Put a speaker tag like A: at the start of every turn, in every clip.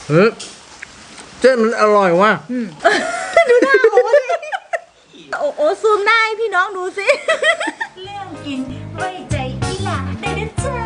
A: เฮ้ยเส้นมันอร่อยว่ะ
B: ดูหน้าโอ้ยโอ้ซูมหน้าให้พี่น้องดูสิเรื่องกินไว้ใจอีหล่าได้นะจ๊ะ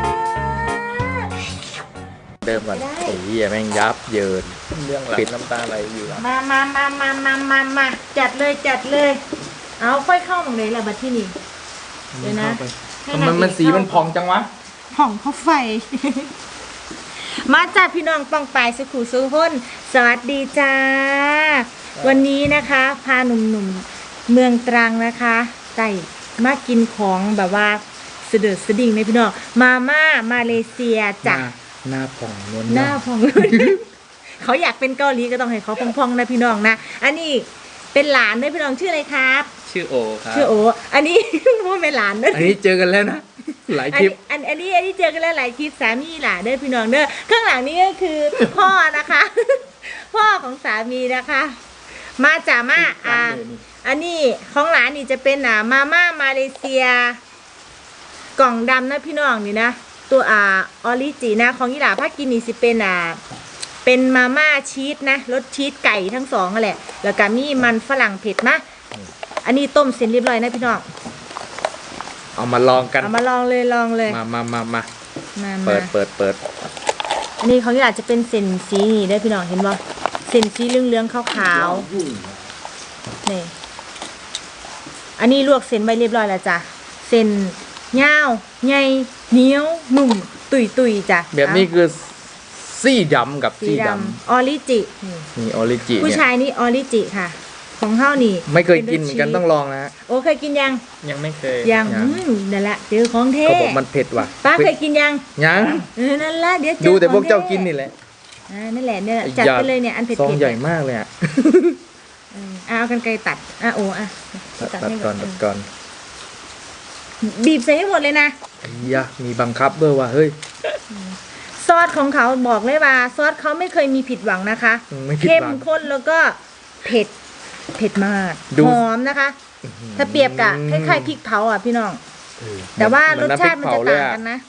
A: เดิมก่อนไอ้เหี้ยแม่งยับเยินเรื่องปิดน้ำตาไหลอยู่แล้ว
B: มาจัดเลยเอาค่อยเข้าตรงไหนล่ะบัดที่นี่เดี๋ยวนะให้
A: ทำไมมันสีมันพองจังวะ
B: ห้องเขาไฟ มาจัดพี่น้องปองปายสุขุสุขนสวัสดีจ้า วันนี้นะคะพาหนุ่มๆเมืองตรังนะคะไก่มากินของแบบว่าเสด็จสดิ่งในพี่น้องมาม่ามาเลเซียจ้ะ
A: หน้าผ่องนวล
B: หน้าพองเลย เขาอยากเป็นเกาหลีก็ต้องให้เขาพองๆนะพี่น้องนะอันนี้เป็นหลานด้วยพี่น้องชื่ออะไรครับ
A: ชื่อโอครับ
B: ชื่อโออันนี้ ว่าเป็นหลานด้วย
A: อันนี้เจอกันแล้วนะหลายคลิป
B: อันนี้เจอกันแล้วหลายคลิปสามีหลานเด้อพี่น้องเด้อข้างหลังนี้ก็คือ พ่อนะคะ พ่อของสามีนะคะ มาจ่ามาอันนี้ของหลานนี่จะเป็นมาม่ามาเลเซีย กล่องดำนะพี่น้องนี่นะตัวออริจินะของยี่หลาภาคกินนี่สิเป็นมาม่าชีสนะรสชีสไก่ทั้งสองนั่นแหละแล้วก็มีมันฝรั่งเผ็ดนะอันนี้ต้มเสร็จเรียบร้อยนะพี่น้อง
A: เอามาลองกัน
B: เอามาลองเลย
A: มาเปิด
B: อันนี้ของยี่หลาจะเป็นเส้นสีนี่ได้พี่น้องเห็นบ่เส้นสีเหลืองๆขาวๆนี่อันนี้ลวกเส้นไว้เรียบร้อยแล้วจ้ะเส้นยาวใหญ่เหนียวหนุ่มตุยจ้ะ
A: แบบนี้คือซี่ดำกับ
B: สี
A: ซี่ด
B: ดำออริจิ
A: ำนี่ออริจิ
B: ผู้
A: เนี่ย
B: ชายนี่ออริจิค่ะ ของเฮานี่
A: ไม่เคยกินเหมือนกันต้องลองนะฮะ
B: โอ้เคยกินยัง
A: ยังไม่เคย
B: ยังนั่นแหละเจอของเท่
A: เขาบอกมันเผ็ดว่ะ
B: ป้าเคยกินยัง
A: ยัง
B: นั่นแหละเดี๋ยวเจอ
A: ดูแต่พวก
B: ของท่
A: เจ้ากินนี่แหละ
B: นั่นแหละเนี่ยจัดไปเลยเนี่ยอันเผ็ด
A: ซอง
B: ๆ
A: ใหญ่มากเลยอ่ะ
B: เอากันไกลตัดโอ้ตัด
A: ตัด
B: ให้
A: ก่อน
B: บีบใส่ให้หมดเลยนะ
A: ไอ้ยะมีบังคับด้วยว่ะเฮ้ย
B: ซอสของเขาบอกเลยว่าซอสเขาไม่เคยมีผิดหวังนะคะ
A: ไม่ผิดหวัง
B: เข้มข้นแล้วก็เผ็ดมาก
A: ดู
B: หอมนะคะ ถ้าเปรียบกับคล้ายๆพริกเผาอ่ะพี่น้อง แต่ว่ารสชาติมันจะต่างกันนะ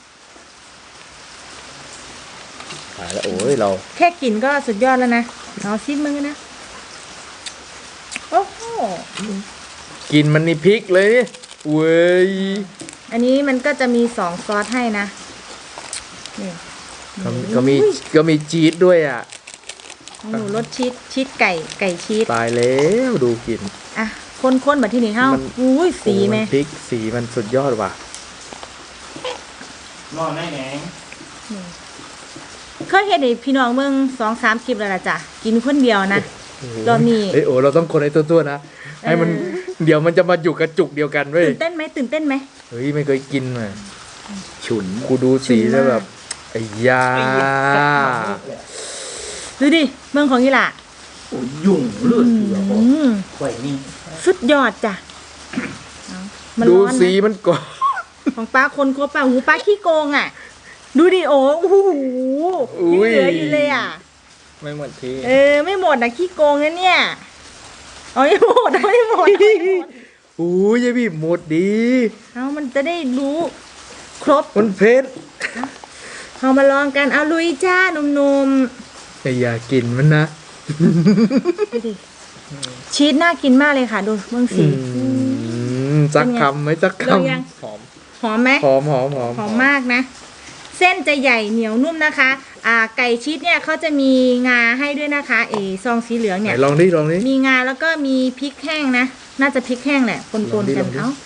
A: ตายแล้วโอ้ยเรา
B: แค่กลิ่นก็สุดยอดแล้วนะเอาซิมือนะโอ้โห
A: กินมันนี่พริกเลยนี่เว้ย
B: อันนี้มันก็จะมี2ซอสให้นะนี่
A: ก็มีจี๊ดด้วยอ่ะ
B: ของหนูรสชีสไก่ชีส
A: ตายแล้วดูกิน
B: อ่ะข้นๆแบบที่นี่เฮ้า
A: มัน
B: อุ้ยสีไหม
A: โอ้นพริกสีมันสุดยอดว่ะ
C: นอนได้แหง
B: เคยเห็นไอ้พี่น้องเมือง2-3คลิปแล้วล่ะจ้ะกินคนเดียวนะรอบนี้
A: เอ้ยโอ้เราต้องคนให้ตัวๆนะให้มันเดี๋ยวมันจะมาอยู่กระจุกเดียวกันเว้ย
B: ตื่นเต้นไหม
A: เฮ้ยไม่เคยกินมาฉุนกูดูสีแล้วแบบไอ้ยา
B: ดูดิเมืองของยี่หล่ะ
C: โอ้ยยุ่งเลือดเสือบอก
B: อืม
C: ข่อยนี่
B: สุดยอดจ้ะเอามัน
A: ดู
B: ร้อน
A: สี
B: นะ
A: มันก่อน
B: ของป้าคนครบป้าหูป้าขี้โกงอ่ะ ดูดิโอ้โหยังเหลืออยู่เลยอ่ะ
A: ไม่เหมือนที่
B: ไม่หมดนะขี้โกงนะเนี่ยเอาไม่หมด
A: โอ้ยยายบีบหมดดี
B: เอามันจะได้รู้ครบ
A: มันเผ็ด
B: เอามาลองกันเอาลุยจ้าหนุ่ม
A: แต่อย่ากินมันนะ
B: ๆดูดิชีสน่ากินมากเลยค่ะดูเบื้องสี
A: จักคำไหมจักค
B: ลองยัง
A: ำหอม
B: หอมไหม
A: หอม
B: หอมมากนะ เส้นจะใหญ่เหนียวนุ่มนะคะ ไก่ชีสเนี่ยเขาจะมีงาให้ด้วยนะคะซองสีเหลือง
A: ไหน
B: เนี่ย
A: ลองดิลองดิ
B: มีงาแล้วก็มีพริกแห้งนะ น่าจะพริกแห้งแหละปน
A: ลองดิ
B: ๆกัน
A: ลองดิ
B: เอา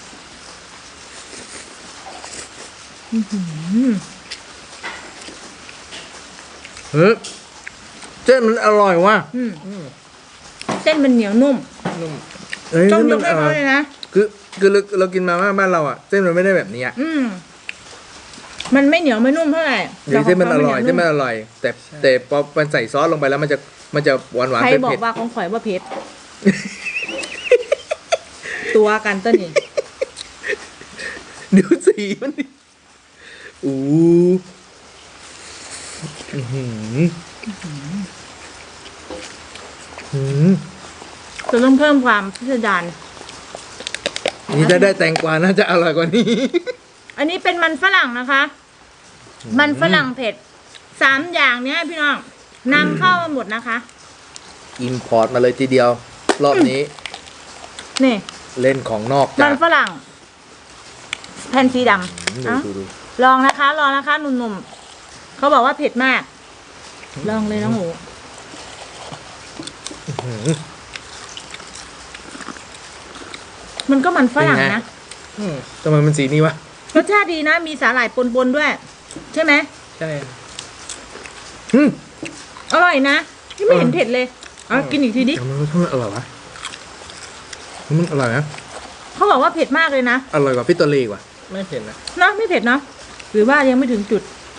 B: อื้อหือ
A: เฮ้ยเส้นมันอร่อยว่ะ
B: เส้นมันเหนียวนุ่ม
A: เฮ้ย
B: ต้องย
A: มั
B: ก
A: น
B: ให้เขาเลยนะ
A: คือเรากินมาม่าบ้านเราอ่ะเส้นมันไม่ได้แบบนี้อ่ะ
B: มันไม่เหนียวไม่นุ่มเท่าไหร่
A: เดี๋ยวเส้นมันอร่อย
B: แต่ขง
A: เส้น
B: ขา
A: มันอร่อย แต่พอมันใส่ซอสลงไปแล้วมันจะหวาน
B: ใคร
A: เผ็ด
B: บอ
A: เผ็
B: ก
A: ด
B: ว่าของข่อยว่าเผ็ด ตัวกันต้นนี่
A: ดูสีมันดิอู้อื้อหือหือ
B: จะต้องเพิ่มความพิสดาร
A: นี่ถ้าได้แตงกวาน่าจะอร่อยกว่านี้
B: อันนี้เป็นมันฝรั่งนะคะ มันฝรั่งเผ็ด3 อย่างเนี้ยพี่น้องนำเข้ามาหมดนะคะ
A: อินพอร์ตมาเลยทีเดียว รอบนี้
B: นี่
A: เล่นของนอก
B: มั
A: จ้ะ
B: นฝรั่งแผ่นสีดำ
A: ดู
B: เอ้า
A: ดู
B: ลองนะคะลองนะคะหนุ่มๆเขาบอกว่าเผ็ดมาก ลองเลยน้องหมู
A: อื้อหือ
B: มันก็มันฝรั่ง
A: เป็นไง
B: นะ
A: ทำไมมันสีนี้วะ
B: รสชาติดีนะ มีสาหร่ายปนๆด้วย ใช่ไหม
A: ใช่อืม
B: อร่อยนะที่ไม่เห็นเผ็ดเลยเอากินอีกทีดิ
A: ทำไมรสชาติมันอร่อยวะมันอร่อยนะ
B: เขาบอกว่าเผ็ดมากเลยนะ
A: อร่อยกว่าฟิตโตเลกว่ะไม่เห็นนะ
B: เนาะไม่เผ็ดเนาะหรือว่ายังไม่ถึงจุด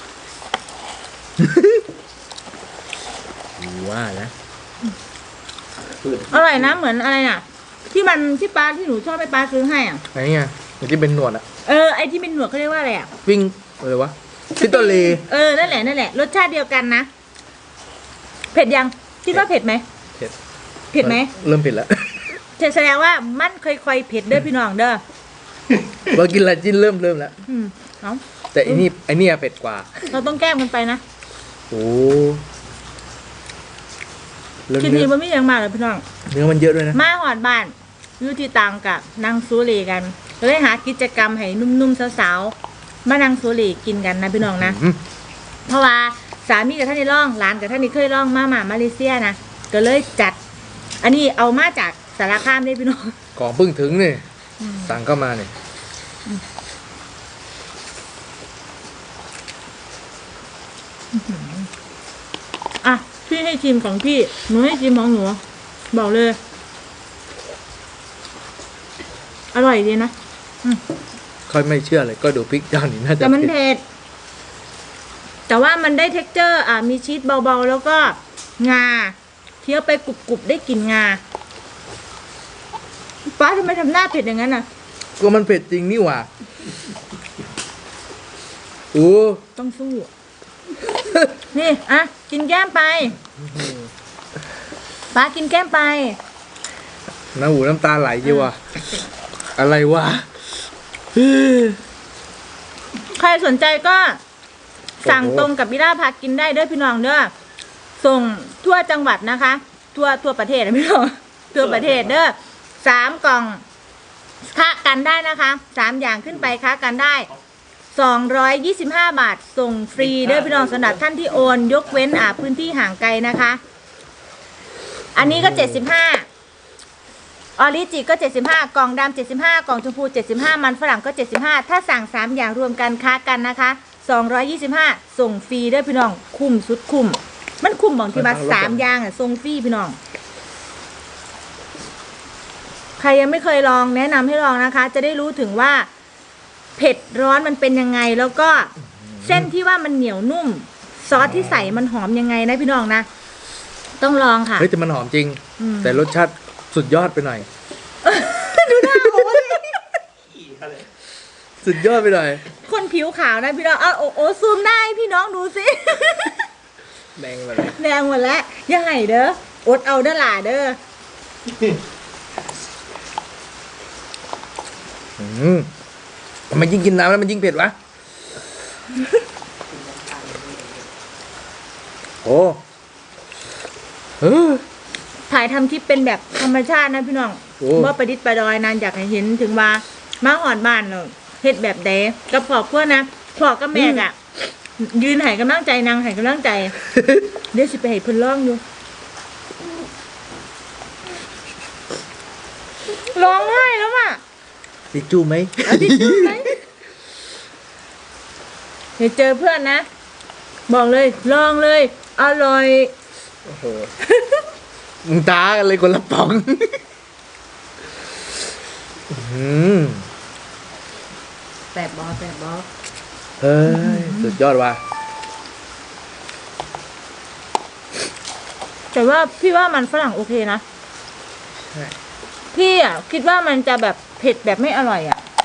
A: ว่านะ
B: อร่อยนะเหมือนอะไรน่ะ ที่มันที่ปลาที่หนูชอบไปปลาซื้อให้อ่ะ
A: ไหนไงอย่างที่เป็นหนวดอะ
B: ไอที่เป็นหนวดเขาเรียกว่าอะไรอ่ะ
A: วิ่งอะไรวะฟิตโตเล
B: นั่นแหละรสชาติเดียวกันนะเผ็ดยังคิดว่าเผ็ดไหม
A: เผ็ด
B: เผ็ดไหม
A: เริ่มเผ็ดแล้ว
B: แสดงว่ามันค่อยๆเผ็ดเด้อพี่น้องเด้อ
A: ว่ากินอะไรจิ้นเริ่มแล้ว
B: เอา
A: แต่อันนี้เผ็ดกว่า
B: เราต้องแก้มกันไปนะ
A: โอ้แล้ว
B: ที
A: เนื้
B: นี้
A: อ
B: มันไม่ยังมาเลยพี่น้อง
A: เนื้อมันเยอะด้วยนะ
B: มาหอดบ้านอยู่ที่ตังกับนางซูรีกันก็เลยหากิจกรรมให้นุ่มๆสาวๆมานั่งซูรีกินกันนะพี่น้องนะ
A: อืม
B: เพราะว่าสามีกับท่านนี่ร่องหลานกับท่านนี่เคยร่องมาเลเซียนะก็เลยจัด อันนี้เอามาจากสารคามได้พี่น้อง
A: ของเพิ่งถึงเนี่ยสั่งเข้ามาเนี่ย
B: อ่ะพี่ให้ชิมของพี่หนูให้ชิมของหนูบอกเลย อร่อยดีนะ
A: ค่อยไม่เชื่อเลยก็ดูพริกเจ้านี่น่าจะ
B: แต่มัน
A: เผ็ด
B: เผ็ดแต่ว่ามันได้เท็กเจอร์มีชีสเบาๆแล้วก็งาเคี้ยวไปกรุบๆได้กลิ่นงาป้าทำไมทำหน้าเผ็ดอย่างนั้นน่ะ
A: ก็มันเผ็ดจริงนี่หว่าโอ้
B: ต้องสู้ นี่อ่ะกินแก้มไปป้ากินแก้มไป
A: น้ำหูน้ำตาไหลจีว่ะอะไรวะ
B: ใครสนใจก็สั่งตรงกับบิล่าพากินได้เด้อพี่น้องเด้อส่งทั่วจังหวัดนะคะ ทั่วประเทศนะพี่น้องทั่วประเทศเด้อ3 กล่องค้ากันได้นะคะ3 อย่างขึ้นไปค้ากันได้225 บาทส่งฟรีเด้อพี่น้องสำหรับท่านที่โอนยกเว้นพื้นที่ห่างไกลนะคะ อันนี้ก็75ออริจิก็75กล่องดำ75กล่องชมพู75มันฝรั่งก็75ถ้าสั่ง3อย่างรวมกันค้ากันนะคะ225ส่งฟรีเด้อพี่น้องคุ้มสุดคุ้มมันคุ้มบอกที่มา3อย่างส่งฟรีพี่น้องใครยังไม่เคยลองแนะนำให้ลองนะคะ จะได้รู้ถึงว่าเผ็ดร้อนมันเป็นยังไงแล้วก็เส้นที่ว่ามันเหนียวนุ่มซอสที่ใส่มันหอมยังไงนะพี่น้องนะต้องลองค่ะ
A: เฮ้ยแต่มันหอมจริง แต่รสชาติสุดยอดไปหน่อย
B: ดูหน้าโอ้ย
A: สุดยอดไปหน่อย
B: คนผิวขาวนะพี่น้องเอาโอ้ซูมได้พี่น้องดูสิ
A: แดงไปเลย
B: แดงหมดแล้วอย่าให้เด้ออดเอาเด้อหล่าเด้อ
A: ทำไมยิ่งกินน้ำแล้วมันยิ่งเผ็ดวะ โอ้
B: ถ่ายทำคลิปเป็นแบบธรรมชาตินะพี่น้อง
A: โอ้
B: ว่าประดิษฐ์ประดอยนานอยากให้เห็นถึงว่ามาหอดบ้านเนาะเฮ็ดแบบใดกับพ่อเพื่อนนะพ่อกับแม่อะยืนให้กำลังใจนางให้กำลังใจ เดี๋ยวสิไปให้เพิ่นร้องอยู่ร้องไห้แล้วอ่ะ
A: ติดจูไหม
B: เอาทิชชู่ไหมเดี๋ยวเจอเพื่อนนะ บอกเลยลองเลย อร่อย
A: โอ้โหมึงตากันเลยคนละป๋อง
B: แสบบอ
A: เฮ้ย สุดยอดว่ะ
B: แต่ว่าพี่ว่ามันฝรั่งโอเคนะ
A: ใช่
B: พี่คิดว่ามันจะแบบเผ็ดแบบไม่อร่อย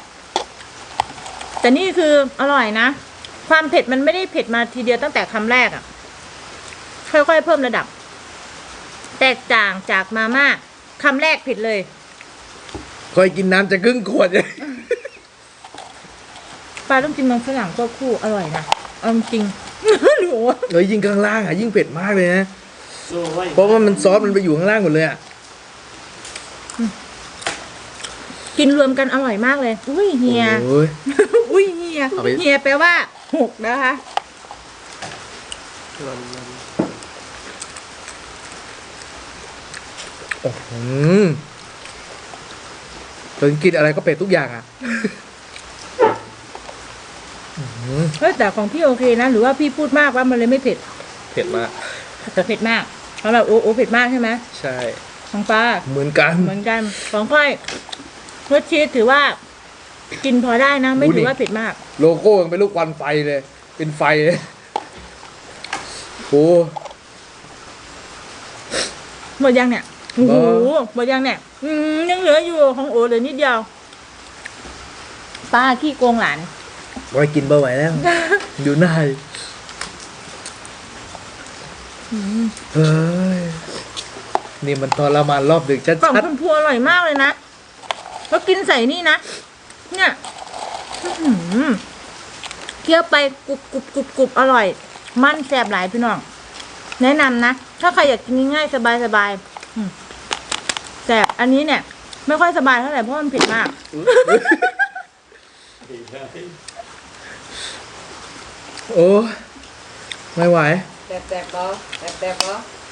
B: แต่นี่คืออร่อยนะ ความเผ็ดมันไม่ได้เผ็ดมาทีเดียวตั้งแต่คำแรกค่อยๆเพิ่มระดับ แตกต่างจากมาม่าคำแรกเผ็ดเลย
A: คอยกินน้ำจะครึ่งขวดเลย
B: ปลาต้องกินมันฝรั่งก็คู่อร่อยนะเอาจริงหนู
A: เลยยิ่งข้างล่างอ่ะยิ่งเผ็ดมากเลยนะ
C: โซ่ไว้
A: เพราะว่ามันซอสมันไปอยู่ข้างล่างหมดเลยอ่ะ
B: กินรวมกันอร่อยมากเลย อุ้ยเฮีย
A: โอ้ย
B: อุ้ยเฮีย
A: เอาไป
B: เฮียแปลว่า6นะคะ
A: โอ้โหตอนกินอะไรก็เผ็ดทุกอย่างอ่ะ
B: เฮ้ยแต่ของพี่โอเคนะ หรือว่าพี่พูดมากว่ามันเลยไม่เผ็ด
A: เผ็ดมาก
B: เผ็ดมากสำหรับโอเผ็ดมากใช่ไหม
A: ใช่
B: ของป้า
A: เหมือนกัน
B: เหมือนกันของค่อยรสชีสถือว่า กินพอได้นะ ไม่ถือว่าเผ็ดมาก
A: โลโก้ยังเป็นลูกควันไฟเลย เป็นไฟเลยโอ้
B: หมดยังเนี่ยโอ้โห
A: บ้า
B: หมดยังเนี่ยยังเหลืออยู่ของโอเหลือนิดเดียวป้าขี้โกงหลาน
A: ไว้กินเบอร์ไหวแล้ว ดูหน้าดิเฮ้ย นี่มันทรมานรอบดึกชั
B: กล่อง
A: ด
B: ชมพูอร่อยมากเลยนะแล้วกินใส่นี่นะเนี่ยอื้อหือเคี้ยวไปกรุบกรุบกรุบกรุบอร่อย มันแซ่บหลายพี่น้อง แนะนำนะ ถ้าใครอยากกินง่ายๆสบายแซ่บอันนี้เนี่ย ไม่ค่อยสบายเท่าไหร่เพราะมันเผ็ดมาก
A: ๆ โอ้ไม่ไหว
D: แตกๆบ่แตกๆบ่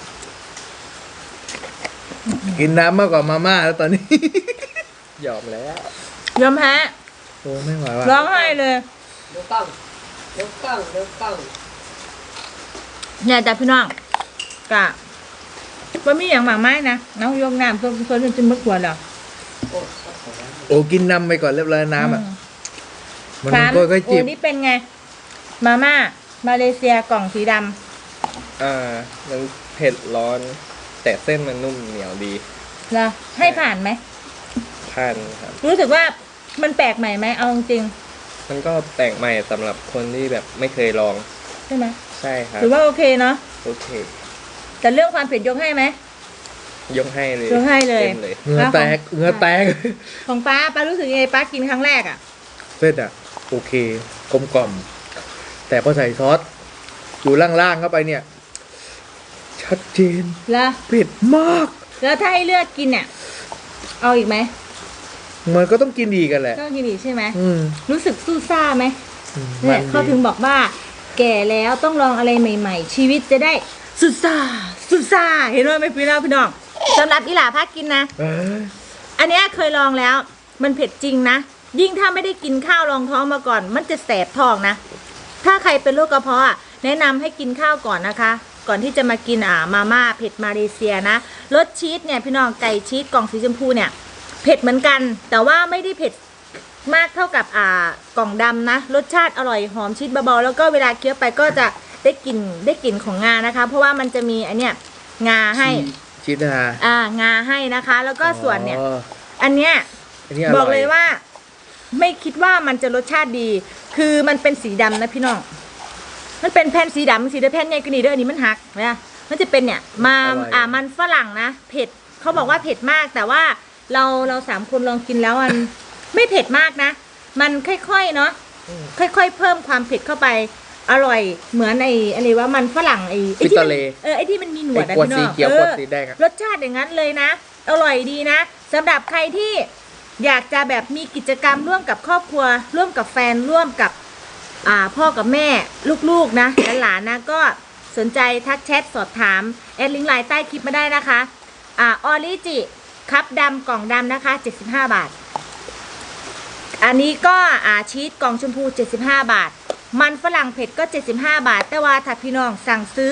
A: กินน้ำมากกว่ามาม่าแล้วตอนนี้ ยอมแล้ว
B: ยอมแพ้
A: โอ้ไม่ไหวว่ะ
B: ร้องไห้เลย
D: ดูกล้องดูกล้องดูกล้อง
B: เนี่ยแต่พี่น้องกะว่ามีอย่างหมากไม้นะน้องยกน้ำเพื่อจะมึกหัวเหรอ
D: โอ้
A: โอ้กินน้ำไปก่อนเรียบร้อยน้ำอ่ะ มัน
B: สาม
A: ก็ค่อย
B: โอ้
A: จิบ
B: นี่เป็นไง มาม่ามาเลเซียกล่องสีด
E: มันเผ็ดร้อน แต่เส้นมันนุ่มเหนียวดี
B: ำเหรอให้ผ่านไหม
E: ผ่านครับ
B: รู้สึกว่ามันแปลกใหม่ไหมเอาจริง
E: มันก็แปลกใหม่สำหรับคนที่แบบไม่เคยลอง
B: ๆใช่ไหม
E: ใช่ครับ
B: หรือว่าโอเคเนาะ
E: โอเค
B: แต่เรื่องความเผ็ดยกให้ไหม
E: ยกให้เลย
B: ยกให้เลย
E: ต็มเลย
A: เหงื่อแตกเหงื่อแตก
B: ของป้ารู้สึกยังไงป้ากินครั้งแรกอ่ะ
A: เส้นอ่ะ โอเคกลมกล่อม แต่พอใส่ซอสอยู่ล่างๆเข้าไปเนี่ย ชัดเจน
B: แล้ว
A: เผ็ดมาก
B: แล้วถ้าให้เลือกกินเนี่ยเอาอีกไหม
A: มันก็ต้องกินดีกันแหละ
B: ก็กินอีกใช่ไหม
A: อืม
B: รู้สึกสู้ซ่าไหม
A: มั
B: เนี่ย
A: น
B: เขาถึ
A: ดี
B: งบอกว่า แก่แล้วต้องลองอะไรใหม่ ๆ ชีวิตจะได้สุดซ่าสุดซ่าเห็นว่าไหมพี่น้องสำหรับอีหล่าพักกินนะ
A: เอ้ย
B: อันเนี้ยเคยลองแล้ว มันเผ็ดจริงนะ ยิ่งถ้าไม่ได้กินข้าวรองท้องมาก่อน มันจะแสบท้องนะ ถ้าใครเป็นโรคกระเพาะอะแนะนำให้กินข้าวก่อนนะคะ ก่อนที่จะมากินมาม่าเผ็ดมาเลเซียนะรสชีสเนี่ยพี่น้องไก่ชีสกล่องสีชมพูเนี่ยเผ็ดเหมือนกัน แต่ว่าไม่ได้เผ็ดมากเท่ากับกล่องดำนะรสชาติอร่อยหอมชีสเบาๆแล้วก็เวลาเคี้ยวไปก็จะได้กลิ่นของงานะคะ เพราะว่ามันจะมีอันเนี้ยงาให้
A: ชีสนะ
B: งาให้นะคะ แล้วก็ส่วนเนี่ย
A: อ๋อ
B: อันเนี้ย
A: อันนี้
B: บอกเลยว่า ไม่คิดว่ามันจะรสชาติดี คือมันเป็นสีดำนะพี่น้อง มันเป็นแผ่นสีดำสีแผ่นใหญ่กว่านี้เด้ออันนี้มันหักนะมันจะเป็นเนี่ยมันฝรั่งนะเผ็ดเขาบอกว่าเผ็ดมาก แต่ว่าเราสามคนลองกินแล้วมัน ไม่เผ็ดมากนะ มันค่อยๆเนาะค่อยๆเพิ่มความเผ็ดเข้าไปอร่อยเหมือนอะไรว่ามันฝรั่งไอ้ที่มันไอ้ที่มันมีหนวด
A: ไอ้
B: อะ
A: ขวด
B: พี่น้
A: สี
B: อง
A: เขียวขวดสีแดงอะ
B: รสชาติอย่างนั้นเลยนะ อร่อยดีนะสำหรับใครที่อยากจะแบบมีกิจกรรมร่วมกับครอบครัว ร่วมกับแฟนร่วมกับพ่อกับแม่ลูกๆนะหลานๆนะก็สนใจทักแชทสอบถามแอดลิงก์ไลน์ใต้คลิปมาได้นะคะออริจิคัพดำกล่องดำนะคะ75 บาท อันนี้ก็ชีสกล่องชมพู75 บาท มันฝรั่งเผ็ดก็75 บาท แต่ว่าถ้าพี่น้องสั่งซื้อ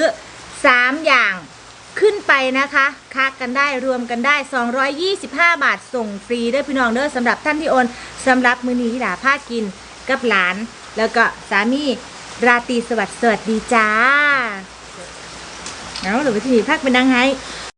B: 3อย่างขึ้นไปนะคะค้ากันได้รวมกันได้225 บาทส่งฟรีด้วยพี่น้องเด้อสำหรับท่านที่โอนสำหรับมื้อนี้ที่หลาผ้ากินกับหลาน แล้วก็สามีราตรีสวัสดีจ้าเอาหรือว่าที่นี่พักเป็นนางไห้